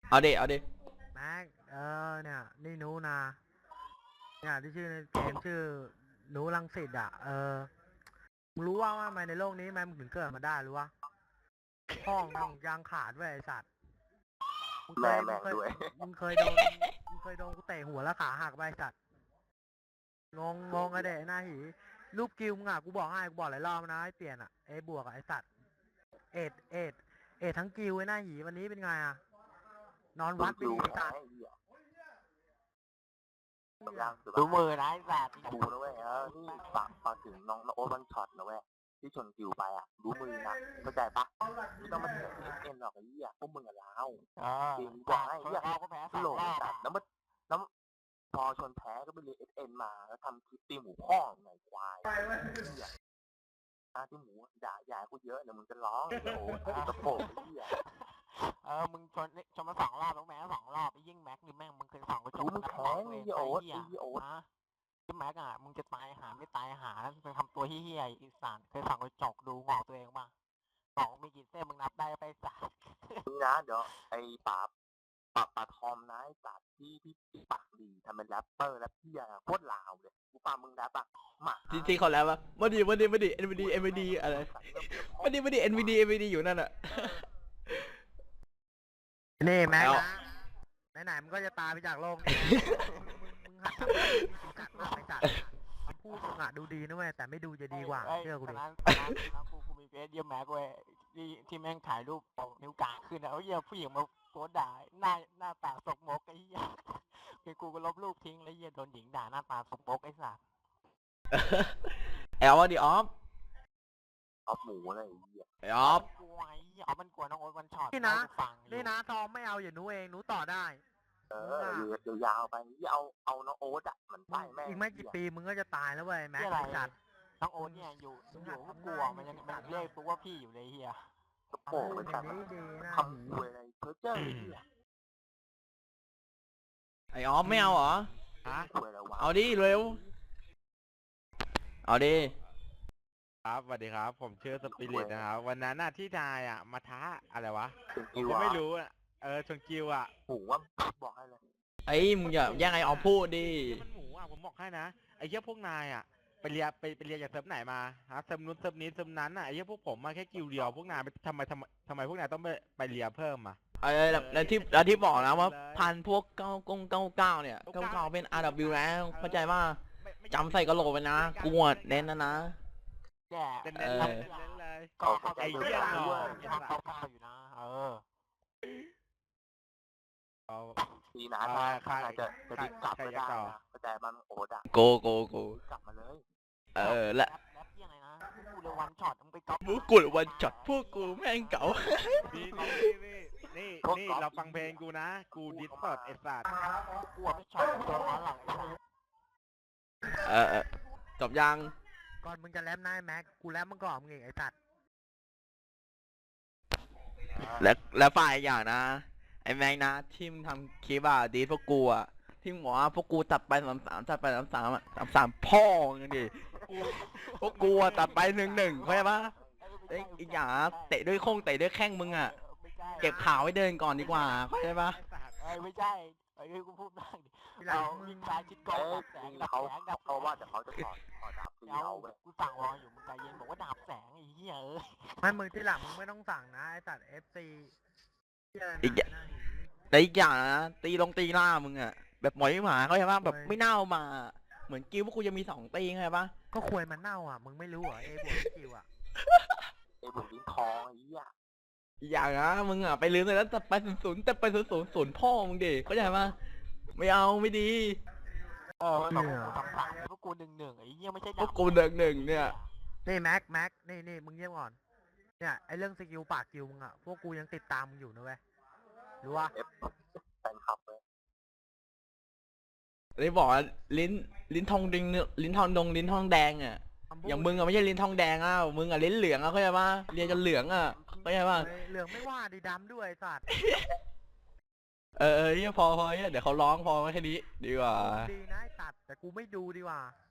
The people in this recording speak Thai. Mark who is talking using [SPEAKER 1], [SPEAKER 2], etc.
[SPEAKER 1] เอาดิเอาดิ
[SPEAKER 2] แม็กเนี่ยนี่หนูนะเนี่ยที่ชื่อในเกมชื่อหนูรังสิตอ่ะมึงรู้ว่าทำไมในโลกนี้มันถึงเกิดมาได้รู้วะห้องมึงยางขาดเว้ยไอสัตว์มึงเคยมึงเคยมึงเคยโดนมึงเคยโดนกูเตะหัวแล้วขาหักไปไอสัตว์งงไอเด็กหน้าหีรูปกิวมึงอ่ะกูบอกให้กูบอกหลายรอบนะให้เปลี่ยนอ่ะบวกอ่ะไอสัตว์เอ็ดทั้งกิวไอหน้าหีวันนี้เป็นไงอ่ะนอนวัดไปดีไอสัตว์
[SPEAKER 3] ดูมือนะไอ้แบบดูนะเว้ยนี่ฝากถึงน้องโอ๊ตวันช็อตนะเว้ยที่ชนกิวไปอ่ะดูมือนะเข้าใจปะไม่ต้องมาเถียงเอ็นหรอกไอ้เหี้ยพวกมึงกับเราจริงบอกให้ไอ้เหี้ยโหลดจัดแล้วพอชนแพ้ก็ไปเรียนSNมาแล้วทำคลิปตีหมูพ่องไงควายที่หมูด่าใหญ่กูเยอะเดี๋ยวมึงจะร้องโอ้โหตะโปกไอ้เหี้ย
[SPEAKER 4] มึงชนมา2 รอบแล้วแม็ก2 รอบไอ้ยิ่งแม็กนี่แม่งมึงเคย2 กระจก
[SPEAKER 3] มึงแข็งไอ้โอ๊ต
[SPEAKER 4] นะที่แม็กอ่ะมึงจะตายหาไม่ตายหาแล้วมึงทำตัวเฮี้ยอีสานเคย2 กระจกดูงอกตัวเองป่ะ2มีกี่เส้นมึงนับได้ไปสัก
[SPEAKER 3] มึงนะเดี๋ยวไอ้ปาทอมนะไอ้สัตว์ที่ปากดีทำเป็นแรปเปอร์แรปเพี้ยโคตรลาวเลยกูฟังมึงแรปอ่ะมา
[SPEAKER 1] ที่เขาแล้ววะมาดิNVD อะไรมาดิ NVD อยู่นั่นอะ
[SPEAKER 2] นี่แม็กนะไหนๆมึงก็จะตายไปจากโลกนี้มึงหัดทำให้มีจัดมากไปจัดคำพูดมึงอะดูดีนะเว้ยแต่ไม่ดูจะดีกว่าเชื่อกูดิ
[SPEAKER 4] กูมีเฟซเยี่ยมแม็กเว้ยที่แม่งถ่ายรูปเอานิ้วกลางขึ้นนะเยี่ยผู้หญิงมาโพสด่าหน้าตาสกมกไอ้เหี้ยคือกูก็ลบรูปทิ้งแล้วเยี่ยโดนหญิงด่าหน้าตาสกมกไอ้สัส
[SPEAKER 1] แอลว่าดิออฟ
[SPEAKER 3] หมูอะไรไอ้เหี้ย
[SPEAKER 1] ออฟ
[SPEAKER 4] กลัวไอ้เหี้ยมันกลัวน้องโอ๊ตวันช็อต
[SPEAKER 2] นี่นะทอมไม่เอาอย่าหนูเองหนูต่อได้
[SPEAKER 3] ยาวไปเอาน้องโอ๊ตอ่ะมันไปแม่
[SPEAKER 2] อีกไม่กี่ปีมึงก็จะตายแล้วเว้ยแม็กจัด
[SPEAKER 4] น้องโอ๊ตเนี่ยอยู่ก็กลัวมันยังเรียกปุ๊บว่าพี่อยู่เลยเฮีย
[SPEAKER 3] กระโปงไปจัดทำคุยอะไรเพอเจอร์
[SPEAKER 1] ไอออฟไม่เอาเหรอเอาดิเร็วเอาดิ
[SPEAKER 5] ครับสวัสดีครับผมชื่อสปิริตนะครับวันนั้นน่ะที่นายมาท้าอะไรวะผมก็ไม่รู้ชนกิว
[SPEAKER 3] หมูว่าบอกให้เลย
[SPEAKER 1] ไอ้มึงอย่าแย่งไอออฟพูดดิ
[SPEAKER 5] มันหมูผมบอกให้นะไอ้เหี้ยพวกนายไปเรียนจากเซิร์ฟไหนมาฮะเซิร์ฟนู้นเซิร์ฟนี้เซิร์ฟนั้นไอ้เหี้ยพวกผมมาแค่กิวเดียวพวกนายทำไมพวกนายต้องไปเรียนเพิ่ม
[SPEAKER 1] แล้วที่บอกนะว่าพันพวก99เนี่ย99เป็น RW แล้วเข้าใจว่าจำใส่กระโหลกไปนะกวดเน้นนะ
[SPEAKER 5] เล่นเลย
[SPEAKER 4] ก็ไอ้เหี้ยเนาะเข้าอยู่นะ
[SPEAKER 3] ดีนะถ้าจะดิ้นกลับไม่ได้นะแต่มันโอ๊ต
[SPEAKER 1] โก
[SPEAKER 3] กลับมาเลย
[SPEAKER 1] และ
[SPEAKER 4] ยังไงนะกูเลยวันช็อตมึงไปก๊อป
[SPEAKER 1] กูเลยวันช็อตพวกกูแม่งเก่า
[SPEAKER 5] นี่เราฟังเพลงกูนะกูดิสเปิดไอ้สัตว์
[SPEAKER 4] กูไม่ช็อตตัวหลัง
[SPEAKER 1] จบยัง
[SPEAKER 2] ก่อนมึงจะแรปนายแม็กกูแรปมึงก่อนมึงเองไอ้สัตว์
[SPEAKER 1] แล้วฝ่ายอย่างนะไอ้แม็กนะที่มึงทำคลิปดีพวกกูที่หมอพวกกูตัดไป33ตัดไป33พ่อกันดิพวกกูตัดไป1-1เข้าใจปะอีกอย่างเตะด้วยแข้งมึงเก็บข่าวไว้เดินก่อนดีกว่าเข้าใจปะ
[SPEAKER 4] ไม่ใช่กูพูดบ้างดิเรายิงซ้ายชิดกองดับแสง
[SPEAKER 3] เขาว่าแต่เขาจะถอดดับ
[SPEAKER 4] เอากูสั่งรออยู่มึงใจเย็นบอกว่าดับแสงไอ้เหี้ย
[SPEAKER 2] ไม่มึงที่หลังมึงไม่ต้องสั่งนะไอ้สัตว์ FC
[SPEAKER 1] อีกอย่างนะตีหน้ามึงแบบหมอยหมาเขาใช่ปะแบบไม่เน่ามาเหมือนกิ้วพวกกูจะมี2 ตีไงปะ
[SPEAKER 2] ก็ควยมันเน่ามึงไม่รู้เหรอบวกกิ้ว
[SPEAKER 3] บวกลิ้นทองไอ้เหี้ย
[SPEAKER 1] อย่างนะมึงไปลืมเลยแล้วแต่ไป0แต่ไป0พ่อมึงดิเข้าใจปะไม่เอาไม่ดี
[SPEAKER 4] พวกกู1-1ไอ้เหี้ยไม่ใช่
[SPEAKER 1] พวกกู1-1เนี่ย
[SPEAKER 2] นี่แม็กนี่มึงเงียบก่อนเนี่ยไอเรื่องสกิลปากกิวมึงพวกกูยังติดตามมึงอยู่นะเว้ยรู้ว่า
[SPEAKER 3] แฟนคลับเลย
[SPEAKER 1] ได้บอกลิ้นทองดิงลิ้นทองแดงอย่างมึงไม่ใช่ลิ้นทองแดงมึงลิ้นเหลืองเข้าใจปะเรียนจนเหลืองเข้าใจปะ
[SPEAKER 2] เหลืองไม่ว่าดีดำด้วยสัตว์
[SPEAKER 1] พอเดี๋ยวเขาร้องพอแค่นี้ดีกว่า
[SPEAKER 2] ดีนะตัดแต่กูไม่ดูดีกว่า